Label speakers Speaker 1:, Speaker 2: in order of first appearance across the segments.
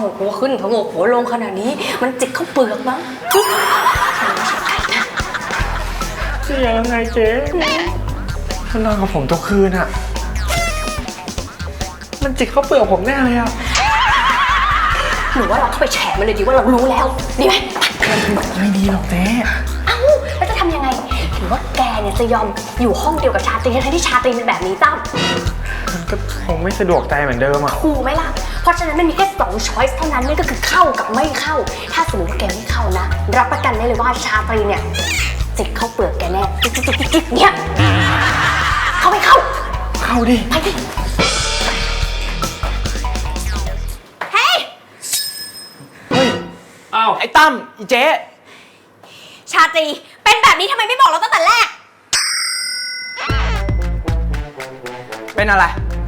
Speaker 1: กหัวขึ้นผงกหัวลงขนาดนี้มันจิกเข้าเปลือกมั้ง
Speaker 2: จะยังไงเจ๊ถ้านอนกับผมทุกคืนอะมันจิกเข้าเปลือกผมแน่เลยอะ
Speaker 1: หรือว่าเราเข้าไปแฉมันเลยดีว่าเรารู้แล้วดีไหม
Speaker 2: ไม่ดีหรอกเจ๊
Speaker 1: เอ้าแล้วจะทำยังไงหรือว่าแกเนี่ยจะยอมอยู่ห้องเดียวกับชาตรีทั้งที่ชาตรีเป็นแบบนี้ตั้ม
Speaker 2: มันก็คงไม่สะดวกใจเหมือนเดิมอะ
Speaker 1: ถูกไหมล่ะเพราะฉะนั้นมันมีแค่2 ช้อยส์เท่านั้นนั่นก็คือเข้ากับไม่เข้าถ้าสมมติว่าแกไม่เข้านะรับประกันได้เลยว่าชาตรีเนี่ยจิกเข้าเปลือกแกแน่จิกเนี่ยเข้าไม่เข้า
Speaker 2: ดิ
Speaker 1: ไปดิเฮ้ย
Speaker 2: อ้าวไอ้ตั้มอีเจ๊
Speaker 1: ชาตรีเป็นแบบนี้ทำไมไม่บอกเราตั้งแต่แรก
Speaker 2: เป็นอะไร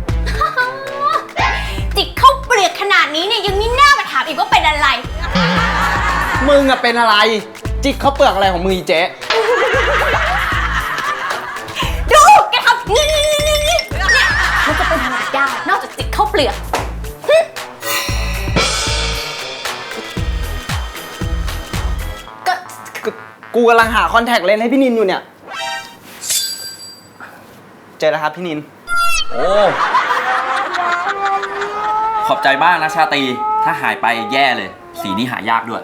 Speaker 1: จิกเข้าเปลือกขนาดนี้เนี่ยยังมีหน้ามาถามอีกว่าเป็นอะไร
Speaker 2: มึงอะเป็นอะไรจิกเข้าเปลือกอะไรของมึงอีเจ๊
Speaker 1: ดูแกทำนี่มันจะเป็นอะไรได้นอกจากจิกเข้าเปลือก
Speaker 2: กูกำลังหาคอนแทคเลนส์ให้พี่นินอยู่เนี่ยเจอแล้วครับพี่นิน
Speaker 3: โอ้ขอบใจมากนะชาตรีถ้าหายไปแย่เลยสีนี้หายากด้วย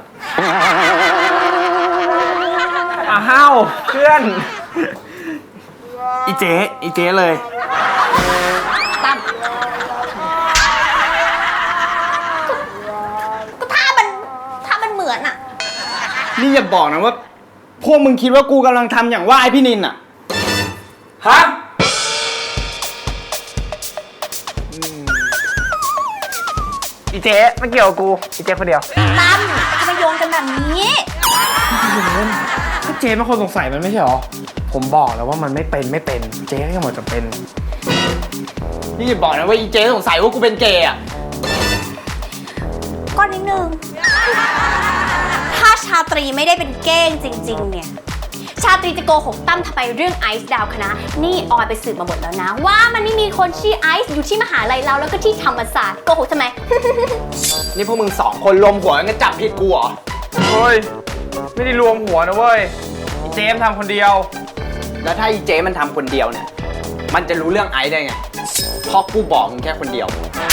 Speaker 2: อ้าวเพื่อนอีเจ๊เลย
Speaker 1: ตั้มก็ถ้ามันเหมือนอะ
Speaker 2: นี่อย่าบอกนะว่าพวกมึงคิดว่ากูกำลังทำอย่างว่าไอพี่นินอะฮะอีเจ๊ไม่เกี่ยวกับกูอีเจ๊คนเดียว
Speaker 1: ตั้มทำไมโยนกันแบบนี้
Speaker 2: เจ๊เป็นคนสงสัยมันไม่ใช่หรอผมบอกแล้วว่ามันไม่เป็นเจ๊ก็หมดจะเป็นนี่อย่าบอกนะว่าอีเจ๊สงสัยว่ากูเป็นเกย์อะ
Speaker 1: ก็นิดนึงถ้าชาตรีไม่ได้เป็นเก้งจริงๆเนี่ยชาตรีจะโกหกตั้มทำไมเรื่องไอซ์ดาวคณะนี่ออยไปสืบมาหมดแล้วนะว่ามันไม่มีคนชื่อไอซ์อยู่ที่มหาลัยเราแล้วก็ที่ธรรมศาสตร์โกหกทำไม
Speaker 2: นี่พวกมึง2 คนรวมหัวกันจับผิดกูเหรอเฮ้ยไม่ได้รวมหัวนะเว้ยอีเจมทำคนเดียวแล้วถ้าอีเจมันทำคนเดียวเนี่ยมันจะรู้เรื่องไอซ์ได้ไงเพราะกูบอกมึงแค่คนเดียว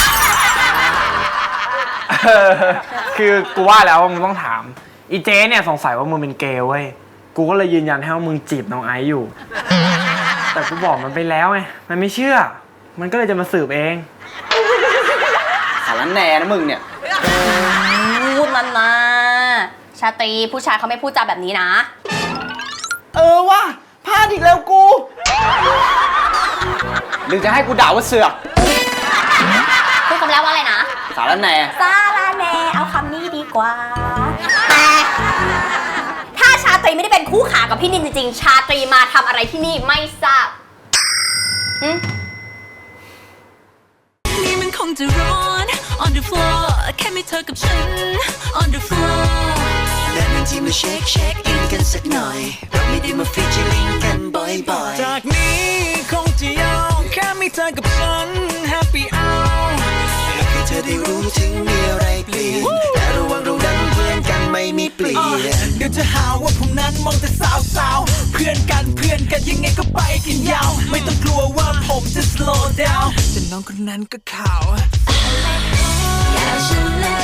Speaker 2: คือกูว่าแล้วว่ามึงต้องถามอีเจเนี่ยสงสัยว่ามึงเป็นเกย์เว้ยกูก็เลยยืนยันให้ว่ามึงจีบน้องไอซ์อยู่แต่กูบอกมันไปแล้วไงมันไม่เชื่อมันก็เลยจะมาสืบเองสารแหน่นะมึงเนี่ย
Speaker 1: พูดมันมาชาตรีผู้ชายเขาไม่พูดจาแบบนี้นะ
Speaker 2: ว่ะพลาดอีกแล้วกูหรือจะให้กูด่าว่าเสือก
Speaker 1: พูดคำแล้วว่าอะไรนะ
Speaker 2: สารแหน่
Speaker 1: เอาคำนี้ดีกว่าแต่ถ้าชาตรีไม่ได้เป็นคู่ขากับพี่นินจริงๆชาตรีมาทำอะไรที่นี่ไม่ทราบ
Speaker 4: นี่มันคงจะร้อน on the floor แค่ไม่เธอกับฉัน on the floor และนั่นที่มาเช็คอินกันสักหน่อยเราไม่ได้มาฟีเจอริ่งกันบ่อยๆจากนี้คงจะยาวแค่ไม่เธอกับฉัน happy hour อยากให้เธอได้รู้ถึงมีอะไรเปลี่ยนแต่ระวังเรานั้นเพื่อนกันไม่มีเปลี่ยนเดี๋ยวจะหาว่าผมนั้นมองแต่สาวๆเพื่อนกันยังไงก็ไปกันยาวไม่ต้องกลัวว่าผมจะ slow down แต่น้องคนนั้นก็ขาว